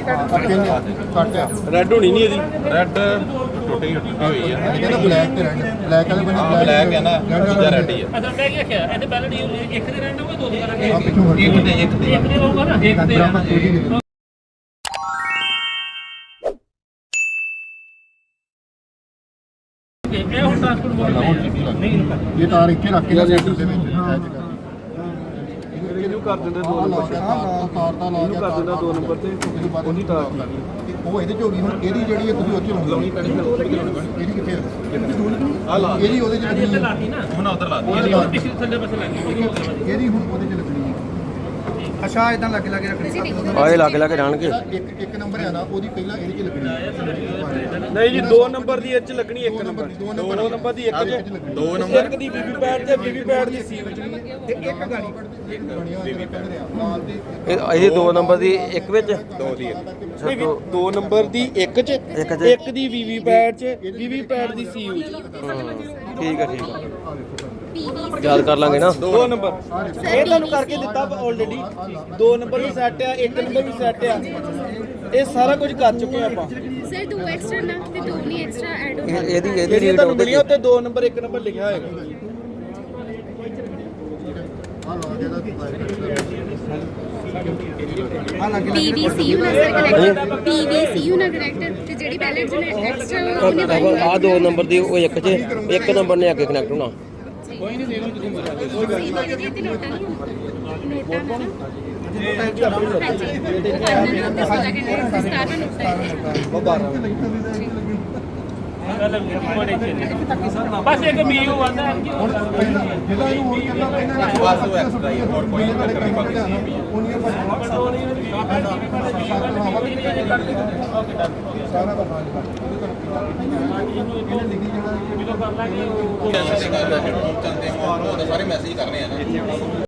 red ਹੋਣੀ ਨਹੀਂ ਇਹਦੀ ਰੈੱਡ ਟੁੱਟੀ ਹੋਈ ਹੈ ਇਹਦਾ ਬਲੈਕ ਤੇ ਰੈੱਡ ਬਲੈਕ ਵਾਲੇ ਬੰਦੇ ਬਲੈਕ ਹੈ ਨਾ ਦੂਜਾ ਰੈੱਡ ਹੀ ਹੈ ਅਸਲ ਮੈਂ ਕੀ ਆਖਿਆ ਇਹਦੇ ਪਹਿਲੇ ਇੱਕ ਦੇ ਰੈਂਡ ਹੋਊਗਾ ਦੋ ਦੇ ਕਰਾਂਗੇ ਆ ਪਿੱਛੋਂ ਹਟ ਇੱਕ ਦੇ ਹੋਊਗਾ ਨਾ ਇੱਕ ਦੇ ਰਹਿਣਾ ਇਹ ਹੁਣ ਟ੍ਰਾਂਸਪੋਰਟ ਬੋਰਡ ਨਹੀਂ ਇਹ ਤਾਰ ਇੱਥੇ ਰੱਖ ਕੇ ਸੈਂਟਰ ਦੇ ਵਿੱਚ ਇਹਨੂੰ ਕਰ ਦਿੰਦੇ ਦੋ ਨੰਬਰ ਤੇ ਤਾਰ ਦਾ ਲਾ ਕੇ ਕਰ ਦਿੰਦਾ ਦੋ ਨੰਬਰ ਤੇ ਉਹਦੀ ਤਾਰ ਉਹ ਇਹਦੇ ਚ ਹੋ ਗਈ ਹੁਣ ਇਹਦੀ ਜਿਹੜੀ ਹੈ ਤੁਸੀਂ ਉੱਥੇ ਲਾਉਣੀ ਪੈਣੀ ਇਹਦੀ ਕਿੱਥੇ ਆ ਲਾ ਇਹਦੀ ਉਹਦੇ ਚ ਇੱਥੇ ਲੱਗਣੀ ਲਾਤੀ ਨਾ ਹੁਣ ਉਧਰ ਲਾ ਇਹਦੀ ਹੁਣ ਪਿਛਲੇ ਥੱਲੇ ਪਾਸੇ ਲੱਗੀ ਇਹਦੀ ਹੁਣ ਉਹਦੇ ਚ ਲੱਗਣੀ ਹੈ ਅੱਛਾ ਇਦਾਂ ਲੱਗ ਰੱਖਣੀ ਆਏ ਲੱਗ ਜਾਣਗੇ ਇੱਕ ਨੰਬਰ ਹੈ ਨਾ ਉਹਦੀ ਪਹਿਲਾਂ ਇਹਦੇ ਚ ਲੱਗਣੀ ਹੈ ਨਹੀਂ ਜੀ ਦੋ ਨੰਬਰ ਦੀ ਇਹ ਚ ਲੱਗਣੀ ਇੱਕ ਨੰਬਰ ਦੋ ਨੰਬਰ ਦੀ ਇੱਕ ਚ ਦੋ ਇੱਕ ਦੀ ਬੀਬੀ ਪੈਡ ਤੇ ਬੀਬੀ ਪੈਡ ਦੀ ਸੀ ਵਿੱਚ ਤੇ ਇੱਕ ਗਾੜੀ ਬਣਿਆ ਬੀਬੀ ਪੈਡ ਨਾਲ ਤੇ ਇਹ 2 ਨੰਬਰ ਦੀ ਇੱਕ ਵਿੱਚ ਦੋ ਦੀ ਦੋ ਨੰਬਰ ਦੀ ਇੱਕ ਚ ਇੱਕ ਦੀ ਬੀਬੀ ਪੈਡ ਚ ਬੀਬੀ ਪੈਡ ਦੀ ਸੀ ਵਿੱਚ ਠੀਕ ਹੈ ਯਾਦ ਕਰ ਲਾਂਗੇ ਨਾ ਦੋ ਨੰਬਰ ਇਹ ਤੁਹਾਨੂੰ ਕਰਕੇ ਦਿੱਤਾ ਆਲਰੇਡੀ ਦੋ ਨੰਬਰ ਵੀ ਸੈੱਟ ਆ ਇੱਕ ਨੰਬਰ ਵੀ ਸੈੱਟ ਆ ਇਹ ਸਾਰਾ ਕੁਝ ਕਰ ਚੁੱਕੇ ਆਪਾਂ ਸਰ 2 ਐਕਸਟਰਾ ਨਾ ਤੇ 2 ਨਹੀਂ ਐਕਸਟਰਾ ਐਡ ਹੋ ਇਹਦੀ ਜਿਹੜੀ ਰੀਡ ਤੁਹਾਨੂੰ ਮਿਲੀਆਂ ਉੱਤੇ ਦੋ ਨੰਬਰ ਇੱਕ ਨੰਬਰ ਲਿਖਿਆ ਹੋਏਗਾ ਪੀਵੀਸੀਯੂ ਨਾਲ ਸਰ ਕਨੈਕਟਰ ਪੀਵੀਸੀਯੂ ਨਾਲ ਕਨੈਕਟਰ ਤੇ ਜਿਹੜੀ ਪੈਲਟ ਜਿਹਨੇ ਐਕਸਟਰਾ ਉਹਨੇ ਵਾਈ ਆ 2 ਨੰਬਰ ਦੀ ਉਹ ਇੱਕ 'ਚ ਇੱਕ ਨੰਬਰ ਨੇ ਅੱਗੇ ਕਨੈਕਟ ਹੋਣਾ ਕੋਈ ਨਹੀਂ ਦੇਖ ਲਓ ਤੁਸੀਂ ਨੋਟਾਂ ਨਹੀਂ ਬਸ ਇੱਕ ਮੀਓ ਆਂਦਾ ਹੈ ਕਿ ਜਿਹੜਾ ਇਹਨੂੰ ਹੋਰ ਕਰਨਾ ਪੈਣਾ ਬਸ ਉਹ ਐਕਸਟਰਾ ਹੀ ਹੋਰ ਕੋਈ ਨਹੀਂ ਬਾਕੀ ਉਹਨੀਆਂ ਸਾਰਾ ਦਾ ਹਾਲ ਇਹਨੇ ਲਿਖੀ ਜਿਹੜਾ ਜਦੋਂ ਕਰ ਲਾਂਗੇ ਉਹ ਸਾਰੇ ਮੈਸੇਜ ਕਰਨੇ ਆ ਨਾ